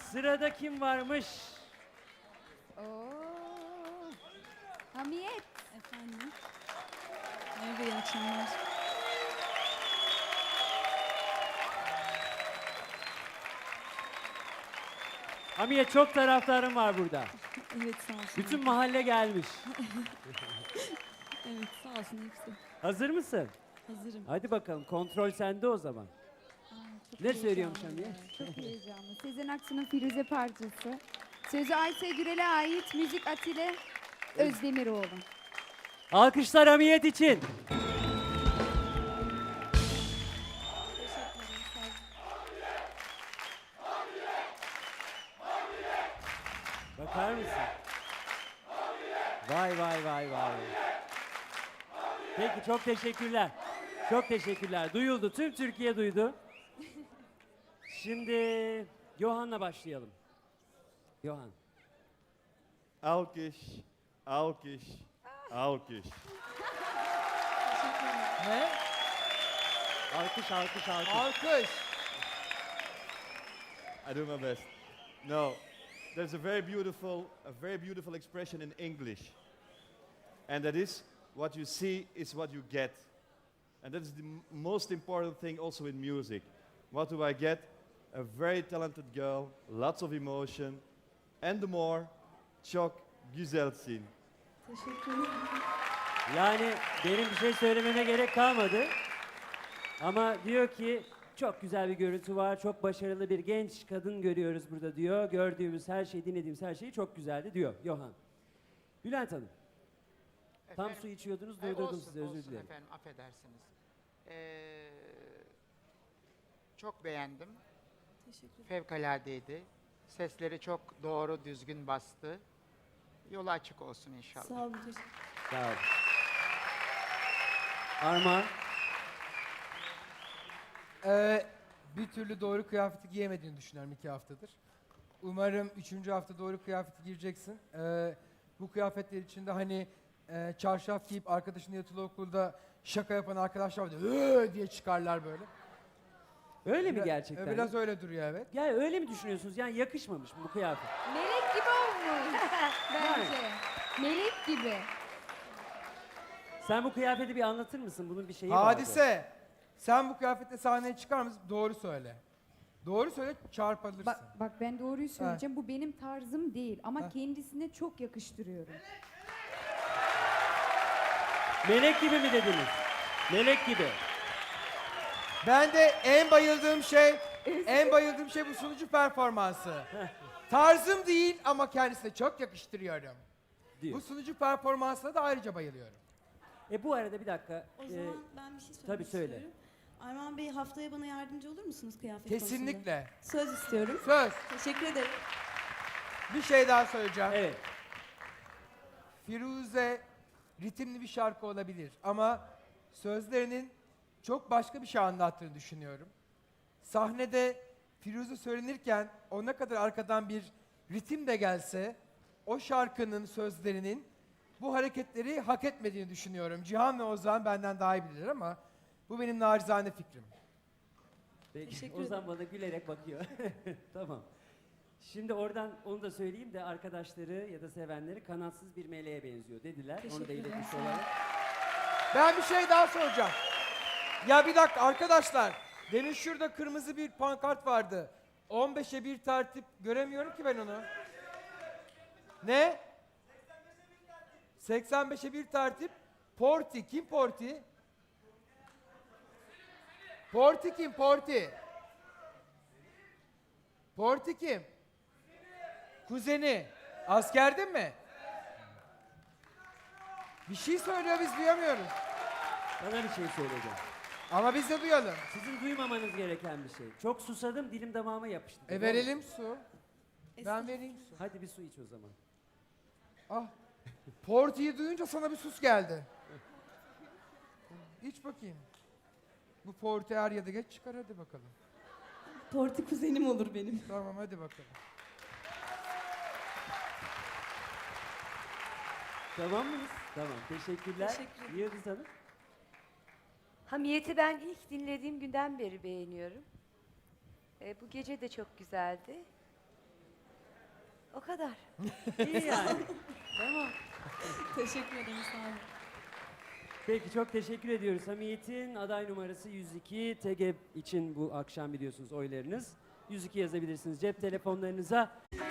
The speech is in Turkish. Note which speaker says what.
Speaker 1: Sırada kim varmış?
Speaker 2: Oo. Hamiyet.
Speaker 3: Efendim. Merhaba, iyi akşamlar.
Speaker 1: Hamiyet, çok taraftarın var burada.
Speaker 3: Evet, sağ olsun.
Speaker 1: Bütün mahalle gelmiş.
Speaker 3: Evet, sağ olsun hepsi.
Speaker 1: Hazır mısın?
Speaker 3: Hazırım.
Speaker 1: Hadi bakalım, kontrol sende o zaman.
Speaker 3: Çok
Speaker 1: Ne söylüyormuş
Speaker 3: heyecanlıyım.
Speaker 1: Hamiyet?
Speaker 2: Çok heyecanlı. Sezen Aksu'nun Firuze parçası. Sözü Aysel Gürel'e ait, müzik Atile Özdemiroğlu.
Speaker 1: Alkışlar Hamiyet için. Bakar mısın? Vay vay vay vay. Peki, çok teşekkürler. Çok teşekkürler. Duyuldu. Tüm Türkiye duydu. Şimdi Johan'la başlayalım. Johan.
Speaker 4: Alkış, alkış, alkış.
Speaker 5: Ne?
Speaker 1: Alkış, alkış, alkış.
Speaker 5: Alkış.
Speaker 4: I do my best. No, there's a very beautiful expression in English. And that is, what you see is what you get. And that is the most important thing also in music. What do I get? A very talented girl, lots of emotion, and the more, çok güzelsin.
Speaker 3: Teşekkür ederim.
Speaker 1: Yani benim bir şey söylememe gerek kalmadı. Ama diyor ki çok güzel bir görüntü var, çok başarılı bir genç kadın görüyoruz burada diyor. Gördüğümüz her şey, dinlediğimiz her şey çok güzeldi diyor Johan. Bülent Hanım, tam
Speaker 6: Efendim,
Speaker 1: su içiyordunuz, durdurdum
Speaker 6: olsun,
Speaker 1: sizi, özür
Speaker 6: olsun
Speaker 1: dilerim.
Speaker 6: efendim, affedersiniz. Çok beğendim.
Speaker 3: Teşekkür ederim.
Speaker 6: Fevkaladeydi. Sesleri çok doğru, düzgün bastı. Yolu açık olsun inşallah.
Speaker 3: Sağ olun, teşekkür
Speaker 1: Sağ olun. Armağan,
Speaker 5: Bir türlü doğru kıyafeti giyemediğini düşünüyorum 2 haftadır. Umarım 3. hafta doğru kıyafeti gireceksin. Bu kıyafetler içinde hani çarşaf giyip arkadaşının yatılı okulda şaka yapan arkadaşlar var diye çıkarlar böyle.
Speaker 1: öyle mi gerçekten?
Speaker 5: Biraz öyle duruyor, evet.
Speaker 1: Ya öyle mi düşünüyorsunuz? Yani yakışmamış mı bu kıyafet?
Speaker 2: Melek gibi olmuş bence. Melek gibi.
Speaker 1: Sen bu kıyafeti bir anlatır mısın? Bunun bir şeyi vardı.
Speaker 5: Hadise, sen bu kıyafetle sahneye çıkar mısın? Doğru söyle. Doğru söyle, çarpılırsın.
Speaker 2: Bak ben doğruyu söyleyeceğim. Bu benim tarzım değil ama kendisine çok yakıştırıyorum.
Speaker 1: Melek gibi mi dediniz? Melek gibi.
Speaker 5: Ben de en bayıldığım şey bu sunucu performansı. Tarzım değil ama kendisine çok yakıştırıyorum.
Speaker 1: Diyor.
Speaker 5: Bu sunucu performansına da ayrıca bayılıyorum.
Speaker 1: Bu arada bir dakika.
Speaker 3: O zaman ben bir şey söylemek
Speaker 1: tabii söyle.
Speaker 3: istiyorum. Armağan Bey, haftaya bana yardımcı olur musunuz kıyafet konusunda?
Speaker 5: Kesinlikle.
Speaker 3: Söz istiyorum.
Speaker 5: Söz.
Speaker 3: Teşekkür ederim.
Speaker 5: Bir şey daha söyleyeceğim.
Speaker 1: Evet.
Speaker 5: Firuze ritimli bir şarkı olabilir ama sözlerinin çok başka bir şey anlattığını düşünüyorum. Sahnede Firuze söylenirken o ne kadar arkadan bir ritim de gelse o şarkının sözlerinin bu hareketleri hak etmediğini düşünüyorum. Cihan ve Ozan benden daha iyi bilirler ama bu benim naçizane fikrim.
Speaker 1: Peki,
Speaker 3: Teşekkür
Speaker 1: Ozan bana gülerek bakıyor. Tamam. Şimdi oradan onu da söyleyeyim de arkadaşları ya da sevenleri kanatsız bir meleğe benziyor dediler. Onu da
Speaker 3: Teşekkür ederim,
Speaker 1: iletmiş
Speaker 3: sağ olun.
Speaker 1: olalım.
Speaker 5: Ben bir şey daha soracağım. Ya bir dakika arkadaşlar. Demin şurada kırmızı bir pankart vardı. 15'e bir tertip. Göremiyorum ki ben onu. Ne? 85'e bir tertip. Porti. Kim Porti? Porti kim? Porti. Porti kim? Kuzeni. Askerde mi? Bir şey söylüyor, biz duyamıyoruz.
Speaker 1: Bana bir şey söyleyeceğim.
Speaker 5: Ama biz de duyalım.
Speaker 1: Sizin duymamanız gereken bir şey. Çok susadım, dilim damağıma yapıştı.
Speaker 5: Verelim su. Ben vereyim su.
Speaker 1: Hadi bir su iç o zaman.
Speaker 5: Ah. Porti'yi duyunca sana bir sus geldi. İç bakayım. Bu Porti er ya da geç çıkar, hadi bakalım.
Speaker 3: Porti kuzenim olur benim.
Speaker 5: Tamam, hadi bakalım.
Speaker 1: Tamam mıyız? Tamam. Teşekkürler.
Speaker 3: Teşekkür ederim.
Speaker 1: Yıldız Hanım.
Speaker 7: Hamiyet'i ben ilk dinlediğim günden beri beğeniyorum. Bu gece de çok güzeldi. O kadar.
Speaker 1: İyi yani. Tamam.
Speaker 3: Teşekkür ederim. Sağ olun.
Speaker 1: Peki çok teşekkür ediyoruz. Hamiyet'in aday numarası 102. TGEP için bu akşam biliyorsunuz oylarınız. 102 yazabilirsiniz cep telefonlarınıza.